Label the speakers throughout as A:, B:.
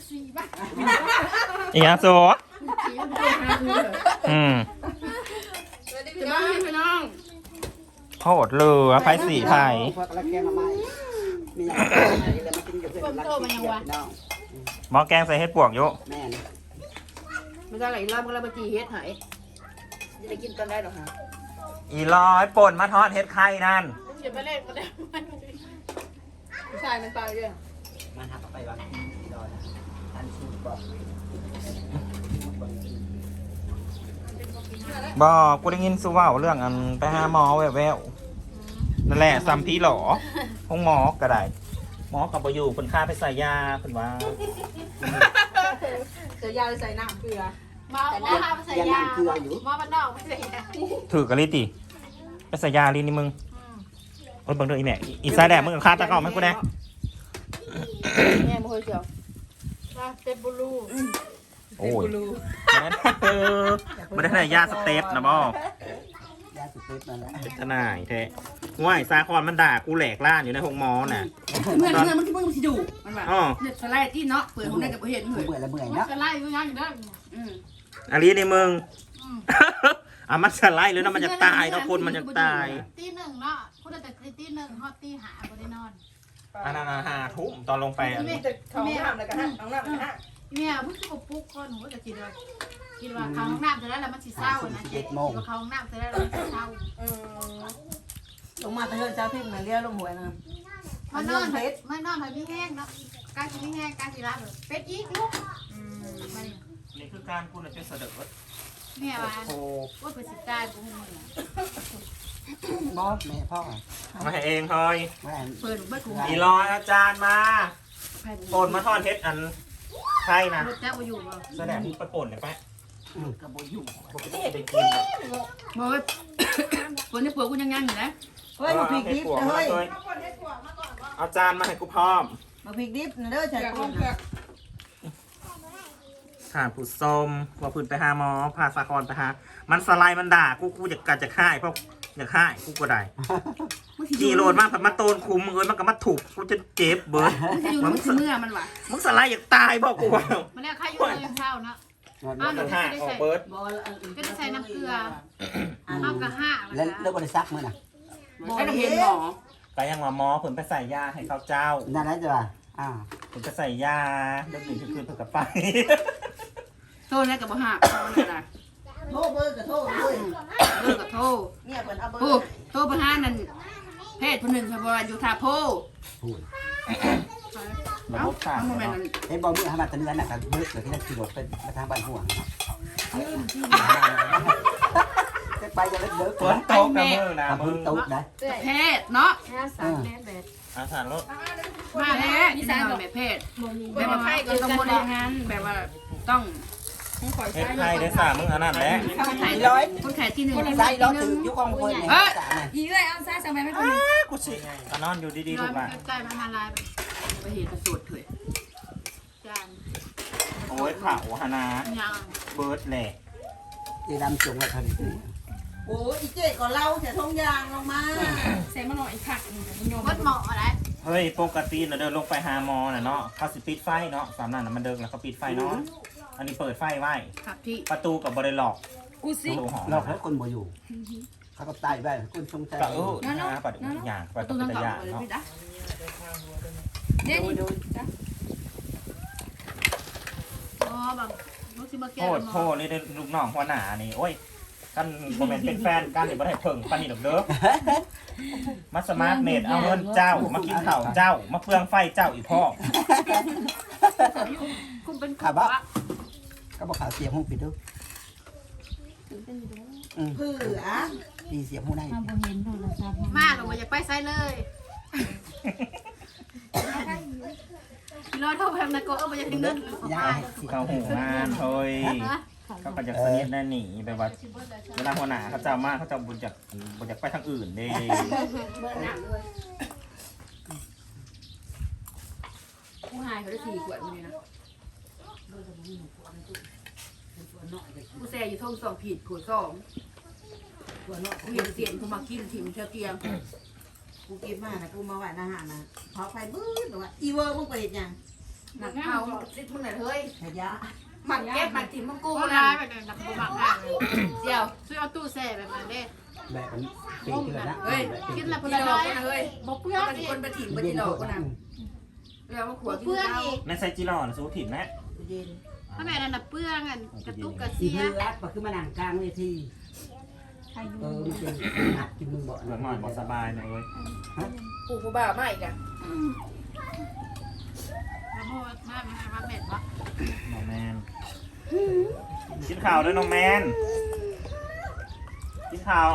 A: สีบ้า
B: อีหยังโซอืม
A: พี่น้องพี่น้อง
B: โหดเลยไพ่สีไพ่
C: พวกละแกงละไม้มีอะไรแล้วมากินอยู่เพื่อนรักที่เกียรติน้อง
B: หม้อแกงใส่เห็ดปวกอยู่
C: แม่น
A: ไม่ใช่ไหลรอบก็แล้วมาจีเฮ็ดหายจะได้กินตอนได้หรอฮะ
B: อีร้อยป่นมาทอดเห็ดไข่นั่น
A: เดี๋ยวไปเล่นก็ได้ผู้ชายมันตายเลย
C: มันหักไปว่าดอยอันสูบบอก
B: บอกกูได้ยินซูว่าเรื่องอันไปหาหมอแววๆนั่นแหละซัมพีหรอห้องหมอก็ได้หมอกับบอยู่คนค่าไปใส่ยาคนว่า
A: เจอยาใส่น้ำเกลือมา
C: ใส่ยาเกลืออยู่
A: มาบ้านนอกไม่ใส่ยา
B: ถือกะลิติไปใส่ยาลีนี่มึงโอ้ยเบังเด้ออีแม่อีสายแดดมึงกับค่าตะกร้อไหมกูแน่
A: แม่ไม่เคยเจียวเต็มบูรู
B: โอ้ยไม่ได้ยาสเต็ปนะบอย
C: าสุดๆนั่นแหละ
B: เป็นทนายแท้ว่ายซาคอนมันด่ากูแหลกล่านอยู่ในห้องหมอน่ะ
A: เมื่อมันที่มึงสิดูมันว่า
B: อ๋อ
A: เนี่ยสไลด์ที่เนาะเปิดของได้กับเห็นเหมือน
C: เบื่อแล้วเมื่อย
A: มัน
C: เนาะ
A: สไลด์อยู่ยังอยู่ได้
B: อันนี้ในมึงอ่ะมันสไลด์หรือนะมันจะตายเนาะคนมันจะตาย
D: ตีหนึ่งเนาะพูดแต่ตีหนึ่งฮอดตีหาบ่ได้นอน
B: อันนั้น5 ทุ่มตอนลงไปอันนี้
A: เขาน้ำแล้วก็ห้องน้ำแล้วก็ห้
D: แม่เพิ่งสิบ่ปลุกคนหนูก็จะคิดว่าเข้าห้องน้ำเสร็จแล้วมันสิเศร้านะคิดว่าเข้าห้องน้ำเสร็จแล้วมันสิเศร้า
A: ลงมาแต่เฮือนเช้าพิมพ์มาเรียกลงหวยนะ
D: มันนอนไปพี่แห้งเนาะการสิพี่แห้งการสิรับเป็ดอีกลูกมานี่
B: นี่คือการพูดจะเสด็จ
D: แม่ว่า
B: โอ้
D: ว่าเพิ่นสิตายบ่ฮู้เนี่ย
C: บอสแม่พ่อ
B: มาให้เองเฮ้ย
C: แม่
A: เปิดเบิดกู
B: อีรอยอาจารย์มาป่นมาทอดเฮ็ดอันใช่นะ
D: รถแจ๊บ่อยู่บ่
B: แสดงไปป่นเลยไป
C: กระโบอยู่
B: ปกติได้กิน
A: บ่คนที่ผัวกูยังยังอยู่นะ
C: เฮ้ยมาพริกดิบเฮ้ย
B: เอาจานมาให้กูพร้อม
C: มาพริกดิบนะเด้อใช่คน
B: ข่านผู้ส้มว่าพื้นไปหาหมอพาสาครไปหามันสไลด์มันด่ากูอยากกัดจะฆ่าเพราะอยากฆ่ากูก็ได้จีโรดมากผัดมาโตนคุมเอ้ยมันก็มาถูกกูจะเจ็บเบิร์ด
A: มันอยู่เมื่อมันว่ะ
B: มึงสไลด์อยากตายบอกกูว่า
D: มันแล้วใครอยู่เลยเช้าเนาะ
B: มันจะฆ่าออกเบิร์ด
D: ก็ได้ใส่น้ำเกลือเอากระห้า
C: แล้วเลิกบริษัทมื้อน่ะ
A: ไอ้น้ำเห็นหมอ
B: ไปยังว่าหมอผืนไปใส่ยาให้เขาเจ้า
C: นั่นแหละจ้ะ
B: ผืนไปใส่ยาเรื่องหนึ่งคือเพื่อกับไป
A: โทษแล้วกับบ่หักอะไร
C: โทษเบอร์กับโทษด้วย
A: เลิกกับโทษ
C: เนี่ยเปิดเอาเบอ
A: โทษ
C: ร์
A: โทษประหารนั่นเพศผู้หนึ่งพบอยู่ท่าโพ
C: พูด
B: ระบบขาด
A: มันเป็น
C: ไอ้บอลมือทำมาตะเนือนน่ะกับเบิร์ดเหลือที่นั่นขี่รถเป็นมาทางบ้านห่วงจะไปจะเลิกเบิร์ด
B: ฝนตกกับมือนะ
C: ทำ
B: มึ
C: พื้
B: ง
C: นตุ๊กนะ
A: เพศเนาะ
B: อาสารรถ
A: มาแล้วนี่สารแบบเพศแบบว่าต้องบริหารแบบว่าต้อง
B: เฮ็ดไทยได้สามมึงอันนั้นแหละ
A: คนไข่คนไข่ที่หนึ่ง
C: ใส่รถถึงยุคของคนเนี่ยจ้ะเนี่ย
A: อีเลยเอาซ่าสั่งไปไม่คน
B: กูสินอนอยู่ดีๆ
D: ร้
B: ลู
D: อย
B: ก
D: มั
B: อ่ะ
D: นใกล้มันละลาย
A: ไปเห็นกระสุดเถอะ
D: จาน
B: โอ้ยขาวฮานา
D: ยัง
B: เบิร์ดแหละ
C: ตีดำจงว่าทัน
E: โอ้ยอีเจ๊ก็เล่าแต่ทงยางลงมา
A: เซมาหน่อยผักยม
D: วัดเหมาะอะไร
B: เฮ้ยปกติเราเดินลงไปหาหมอน่ะเนาะเขาสิปิดไฟเนาะสามนั่นน่ะมันเดินแล้วเขาปิดไฟเนาะอันนี้เปิดไฟไว้
A: ครับพี่
B: ประตูกับบริล็อก
A: กูสิ
B: ประตูหอ
C: เราให้คนบ่อยู่เขาก็ตายไปคนชงใจ
B: ก็นะประตูอย่างประตู
A: ตู้
B: เป็น
A: ทั้ง
B: ตะ
A: เก่าย
B: าน
A: เลย
B: เนาะ
A: พี่จ๊ะเดี๋ยวนี่จ้ะ
D: อ๋อบางลูกสิมาแก้
B: โทษนี่ได้ลูกน้องหัวหน้านี่โอ้ยกันโมเมนต์เป็นแฟนกันนี่บ่ได้เพิ่งปานนี้ดอกเด้อมาสมาร์ทเมดเอาเงินเจ้ามากินข้าวเจ้ามาเปลืองไฟเจ้าอีพ่อ
D: คุณเป็น
C: ขาบ้าก็บอกข่าวเสียงหูปิดดู
E: เพื่อ
C: ดีเสียงหูได้
D: มาลงมาอยากไปไซเลยรอเท่าแพมนะก็เอาไปยังเงิน
C: ยาย
B: เขาหูงานเฮ้ยเขาก็จะสนิทแน่หนีแบบว่าเวลาหัวหน้าเขาเจ้ามากเขาจะบุญจากไปทางอื่นเด้
A: กูหายเขาได้4 ขวดนี่นะกูแซ่อยู่ท้อง2 ผิดขวด2กูเห็นเสียงกูมากินถิ่มเชียวเตียง
E: กูเก็บมานะกูมาไหวอาหารนะพอไฟบื้อหรือว่าอีเวอร์มึงไปเห็นยัง
A: หนักเอาซิดมึงหน่อยเฮ้ย
C: ขยะ
A: หมักเก็บหมักถิ่มมังกู
D: กู
A: นะ
D: ร้ายไปเลยนักบักงานเลย
A: เดี๋ยว
D: ซื้อเอาตู้แช่แบบนั้นเด้
C: แบบนี้ปีกเลยนะ
A: เฮ้ย
D: กินแล้ว
A: กิ
D: เพื่
A: น
D: อน
A: ด
D: ร้
A: อ
D: อก ย
A: นะเฮ้ย
D: บอกเพื่อน
A: มัน
D: อีก
A: คนไปถิ่มไปกินดอกกันนะแล้วมาขวดกิน
D: เพื่อน
A: ข้าว
D: อีก
B: ในไซจิรอนะสู้ถิ่นนะ
E: เย็น
D: ถ้าแม่นั่นน่ะเปื้อนกันกระตุกกระ
C: สี
D: เสีย
C: เลือดก็คือมานั่งกลางเวทีมันเป็นหัดกินมึงบ่
B: เหลือหน่อยบ่สบายหน่อยเว้ย
A: ปู่ผู้บ่าวมาอีกอ่ะ
D: แล้วพ่อแม่ไม่ให้มาแม่วะ
B: น้องแมนกินข้าวด้วยน้องแมนกินข้าว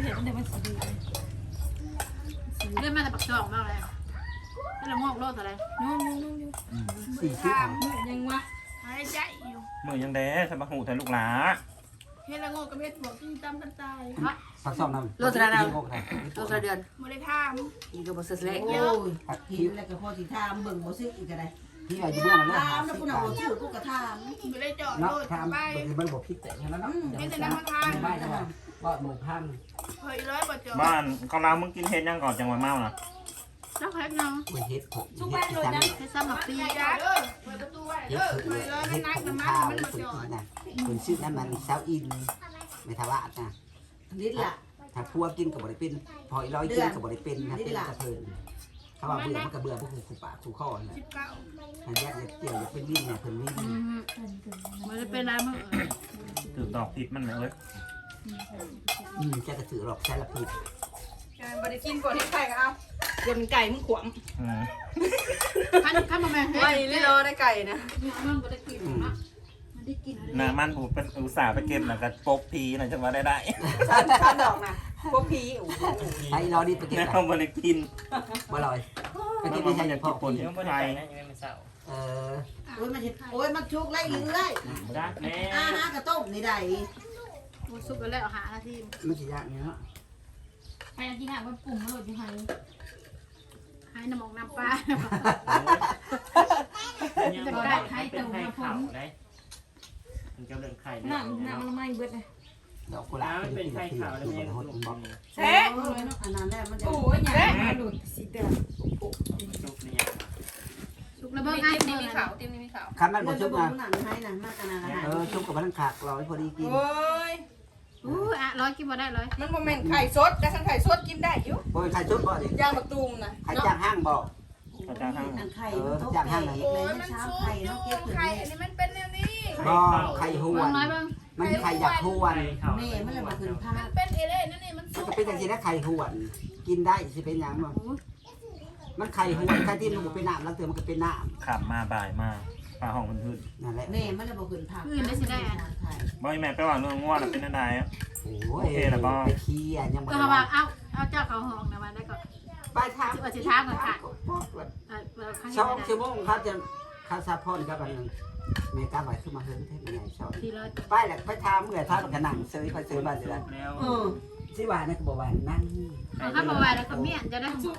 D: เล่นมาแต่ปักจองมากเลยแล้วเรางอกโลดอะไร
C: สี่สิบ
D: ยังวะหายใจอยู่
B: มือยังแด้ใส่มาหูแต่ลูกหลา
D: เฮ็ดละงอกกับเฮ็ดบวกที่จำกันตายฮะ
C: ผักซ่อมน้ำ
A: โลสระเดือน
D: บ่ได้ทาม
A: อีกก็บ่เสร็จแล้ว
E: โอ้ยหิวแล้วก็พอสิทามเบิ่งบ่ซื้ออีกก็ได้
C: ที่ว่าอยู่เมื่อนั้น
E: ถามแล้วกูน่ะบ่ซื้อกูก็ถาม
D: บ่ได้จอด
C: เนาะ
D: โลด
C: ทำ
D: ไป
C: มันบอกพิษแต่นั้นเนาะไม่ใช่ว่าหมูพัน
D: เฮ้ยร้อยบ่จอด
B: บ้านเขาเรามึงกินเห็ดยังก่อนจังหวะเมาน่ะ
D: แล้วแค่ยัง
C: มันเฮ็ดผมเฮ็ดจัง
D: ให้ซ้ำมาปีจ้าเด้อเปิดประตูไว้
C: เฮ็
D: เด้
C: ด
D: อ
C: คือ
D: เฮ้ยร้อย
C: เฮ็
D: มัน
C: ด
D: นัก
C: ผม
D: น้ำมัน
C: ข้าว
D: มัน
C: ค
D: บ่
C: น
D: จอด
C: นะคนชื่อนั้นมันเซาอินไม่ทว่านะ
E: นิดละ
C: ถ้าพัวกินกับบริเป็นพออีร้อยกินกับบริเป็นนะเป็นกระเพลินถ้าว่าเบื่อมันก็เบื่อพวกขู่ปากขู่ข้อนะ
D: 19
C: อันยักษ์เกี่ยวอยากเป็นวิ่งเนี่ยเพิ่นวิ่ง
D: มันจะเป็นอะไรมึง
B: ถือดอกพิษมันไหมเว้ย
C: แกกระถือหรอกใช้ละผิด
A: บ่ได้กินก่อนที่ไข่ก็เอาเดี๋ยวมันไก่มึงขวม
D: คันบ่แม่นเฮ็ด
A: ไม่ได้รอได้ไก่นะ
D: มันบ่ได้กินเนาะมันได้กิน
B: น้ำมันผูเป็นอุตส่าห์ไปเก็บแล้วก็ปกพีน่ะจังหวะได้
A: ข้าวดอกนะพวกผีโอ้โห
C: ใช้ร้อยนี่ไปเก็บ
B: แม่เขาบริกิน
C: บ่ลอยไปเก็บไม่ใช่อย่างพ่อ
B: คน
C: พี่
B: ที่ไทย
C: เออ
E: โอ้ยมันเห็ดโอ้ยมันชุกไล่เรื่อย
B: รักแม่
E: อาหารกระต้มนี่ได้
D: บ่สุกแล้วหานาที
C: มันสิยากเนี่ยเนาะ
D: ใครกินหาว่ากลุ่มมันโหลดอยู่ไห้ให้น้ำมองน้ำปลา
F: จะได้ให้ตัวผลได้มันก็เป็นไข่น้ำมันไม่เบิดเลย
C: ดอกกุหลาบ
F: มันเป็นไข่ขาวแล้ว
C: มัน
F: แม่
C: ห
F: ลู
C: ด
F: ก
C: บล็อก
A: แซ่
E: อันนั้นแหละมันจะ
F: โอ้ยอย่าหลุดสิเด้อจุกเนี่ย
D: สุกแล้วเบิ่ง
A: เต็
D: ไอ้
A: มนี่
D: นี่
A: มี
D: มี
A: ขา
D: ขาว ว
A: เต็มนี่มีขาว
C: คันมันบ่
E: มัน
C: ชุ
E: จะ
C: บ
E: บ่
C: นะ
E: หนังให้นะมากขนาดนั้น
C: ชุบกับมันขาดร้อยพอดีกิน
A: โอ้ย
D: อ่ะร้อยกินบ่ได้ร้อย
A: มันโมเมนต์ไข่สดแต่ขันไข่สดกินได้อยู่
C: บ่ใครชุบบ่ดิ
A: ย่างมะตูมนะ
C: ใครจ้างห้างบ่
B: เขาจะห้าง
E: อันไข่มันต้องแก่เลยมันช้าไข่ต้องเก็บถึง
A: ไข่
E: แม่
A: อันนี้มันเป็นแนวนี้
C: บ่ไข่หว
D: เบิ่ง
C: น
D: น้อยเบิ่ง
C: มันไข่อยากหวน
E: แม่มันเลยมาขึ้นผ้า
A: มันเป็นเอเล่นั่นนี่มัน
C: มัน
A: สุก
C: ก็เป็นจังซี่นะไข่หวนกินได้สิเป็นหยังบ่มันไข่หวนไข่ที่มันบ่เป็นน้ำแล้วเติมมันก็เป็นน้ำ
B: ขับมาบ่ายมาปลาห้องมันขึ้น
C: นั่นแหละ
E: แม่มันเลยมาขึ้นผ้า
B: บ่อยแม่ไปว่าเรื่องง่วงเป็นอะไรอ่ะ
C: โอ้ยไปขี้อ่ะยังบ่
D: ก็ว่าเอาเจ้าเขาห้องนะมาได้ก็
C: ไปทางช่องชั่วโมงครับจะคาซาพอนครับอันนึงเมกาไว้ขึ้นมาเฮิร์นเทปใหญ่ชอบ
D: ทีร้อย
C: ไปแหละไปทำเมื่อท่ากันหนังซื้อไปซื้อบ้านเดือน
F: แล้ว
C: สิว่านะก็บอกว่านั่ง
D: เอาข้าวมาไว้แล้วก็เมี่ยนจะได้สุก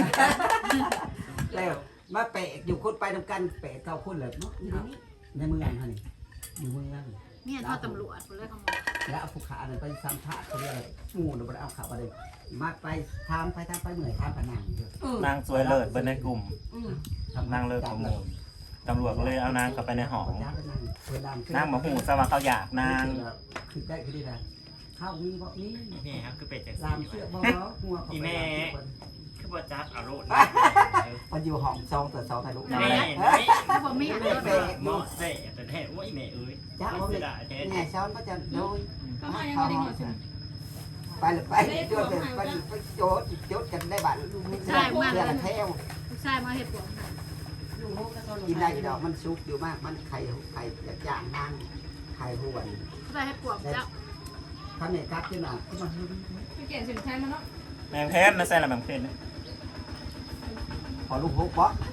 C: แล้วมาเปะอยู่คนไปทำกันเปะเก้าคนเลยเนาะในเมืองฮะนี่อยู่เมือง
D: เมี่ยนทอดตำรวจคนเลยเขา
C: แล้วเอาผู้ขาเนี่ยไปสัมภาษณ์เขาเรียกหมู่เราไปเอาข่าวอะไรมาไปทำไปเหนื่อยทำกันหนัง
B: นางสวยเลิศเป็นในกลุ่มนางเลิศของหมู่ตำรวจก็เลยเอานางเข้าไปในหอนางบอกหูสว่าเขาอยากนาง
C: คือได้คือได้นะข้าวมีบ่มี
F: นี่ครับคือเป็ดจาก
C: ลามเชือกบ่หัว
F: คือว่าจัดอารมณ์
C: มันอยู่ห้องซองแต่ซองถ่ายรูป
F: แม่
D: ถ้าผมเมี่ยน
C: ไม่
D: ก็
C: เปะ
F: หมอเสะแต่แท้ว่าอีแม่เอ้ย
C: จ้าว่า
F: เสี
C: ไม่
F: ยดายแท้
C: ไงซ้อนก็จะโดยไปเลยไปโจทย์ไปโจทย์กันได้บัตรเพื่อนแท้ว
D: ลูกชายมาเห็ดผม
C: กินได้ดอกมันซุกอยู่มากมันไข่ย่างนั่งไข่หวน
D: เขาได้เห็ดปวกเจ้า
C: ข้าวเหนียวกัดขึ้นมาขึ้นมา
B: แมงเพชรนะใส่ละแมงเพชร
C: พอลูกฮุกบ๊อก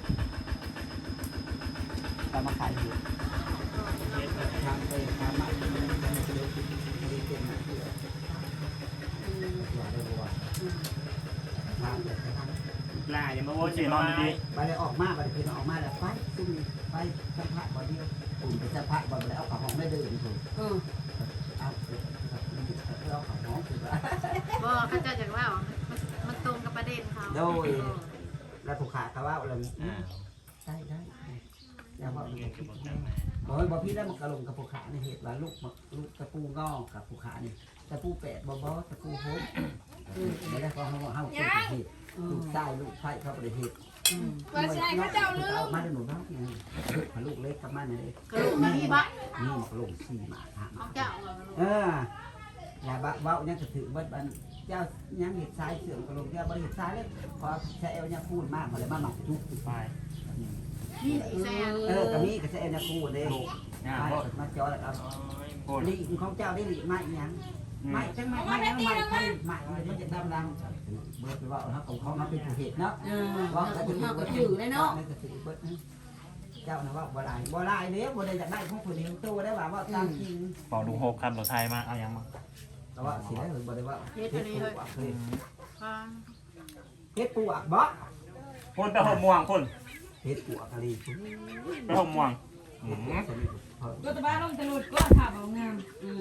C: แต่มาขายอยู่ทางไปทางมาไม่ได้เก่งนะเพื่ออย่าได้บัวทางเด็ดทาง
F: ลายยังมาโว้
B: สี
F: ย
B: นอนดี
C: ไปเลยออกมาไปเลยออกมาแล้วไปซุ่มไปสัมผัสบ่เดียวกลุ่มไปสัมผัสบ่แล้วเอาของห้องไม่เดินถูกเอาเอาของห้องถูกแล้ว
D: บ่เขาเจ้าจากว่ามันตรงกับประเด็นเขา
C: โดยแล้วผู้ขาเขาว่าเราใช่ได้อย่าว่า
F: เงินก็บอกกันมา
C: บ่พี่ได้มันกระลงกับภูขาในเหตุว่าลูกตะปูงอกกับภูขานี่ตะปูแปดบ่ตะปูโหดไม่ได้ของเฮาเป็นเหตุลูกใต้ลูกไผ่เขาเป็นเหตุ
D: ว่าใช่เขาเจ้าลืม
C: มาได้หนูบ้างไงลูกเล็กกับมันนี่
D: กระโหลกมาพี่บ้าน
C: นี่กระลง4 หมา
D: เอาเจ้าเอา
C: อย่าเว้าเนี่ยก็ถือว่าเจ้ายังเห็ดซ้ายเสื่อมกระลงเจ้าบริเห็ดซ้ายเลยพอแซวเนี่ยพูดมากมาเลยมาหมักทุก
F: ไป
D: นี่อีแซ่
C: กระมีกับแซวเนี่ยพูดเลย
F: งา
C: มาจอแล้วครับ
F: โคตร
C: ลีของเจ้าได้ลีไม่ยังไม่จังไม่มันจะดำเบิดไปว่าเขาของเขาเป็นผู้เหตุเนาะว่าก็ถือก็ถือเลยเนาะเจ้านะว่าบ่ได้เนี้ยบ่ได้อยากได้ของผู้เดียวตัวได้ว่าตามจริง
B: บอกลุงโฮกครับรถไทยมาเอายังมา
C: แต่ว่าสิได้หรือบ่ได้ว่าเฮ็ดปูอ่ะเคย
D: ฟัง
C: เฮ็ดปูอ่ะบ่
B: พ่นไปหกม่วงพ่น
C: เฮ็ดปูอ่ะกะลี
B: ไปหกม่วง
E: ก็ตะบ้านลงตะลุดก็ถามเอางาม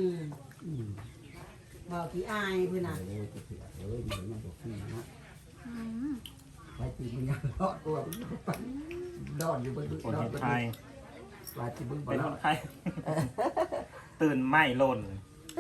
E: บอกที่อายเพื่อนน่ะ
C: เลยจะเถื่อเลยเหมือนมันจะขี้นะไปตีมึงยังรอดตัวดอนอยู่บน
B: คนเห็นไทย
C: ว่าที่มึงบ่
B: เป็น
C: ร
B: ค
C: อด
B: นไทยตื่นไม่หล่น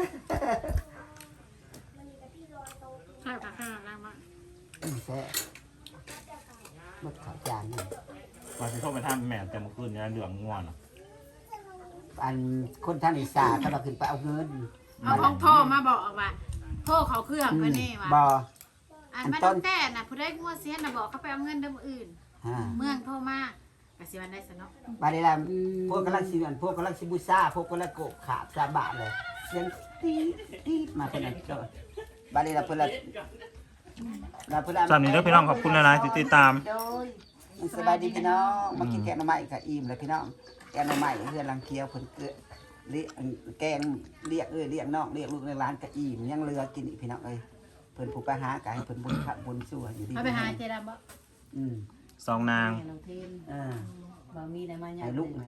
D: ใช่ค่ะข้างล่างมา
C: แซ่มดขาจานนี่
B: มาที่เข้าไปทำแม่แต่เมื่อคืนเนี่ยเหลืองง่วน
C: อันคนทางอีสานก็เราขึ้นไปเอาเงิน
D: เอาของโทรมาบอกว่าโทรเขาเครื่องก็นี่ว่ะ
C: บ่
D: อันมาตั้งแต่น่ะผู้ได้งัวเสียน่ะบอกเขาไปเอาเงินเดิมอื่น เมืองโทรมากสิวันได้ซะเนาะ
C: บาดนี้ล่ะพวกกำลังสิอันพวกกำลังสิบูชาพวกกำลังโกขาดสาบะเลยเสียงตีมาเป็นอันเจ้าบาดนี้ล่ะเพิ่นละ
B: สามนี้ด้วยพี่น้องขอบคุณนะที่ติดตาม
C: สบายดีพี่น้องมากินแกงหน่อไม้กับอิ่มเลยพี่น้องแกงหน่อไม้เพื่อนรังเคียวเพิ่นเกลือเลี้ยงแกงเรียกเรียกน้องเรียกลูกในร้านกับอิ่มยังเรือกินอีกพี่น้องเอ้ยเพิ่นผู้ไปหาไก่เพิ่นบุญพระบุญสู้อยู่ดี
D: เอาไปหาเจดาบ่
B: สองนาง
E: เราเทน
C: อ่า
E: บ่มีได้มา
C: ไอ้ลูก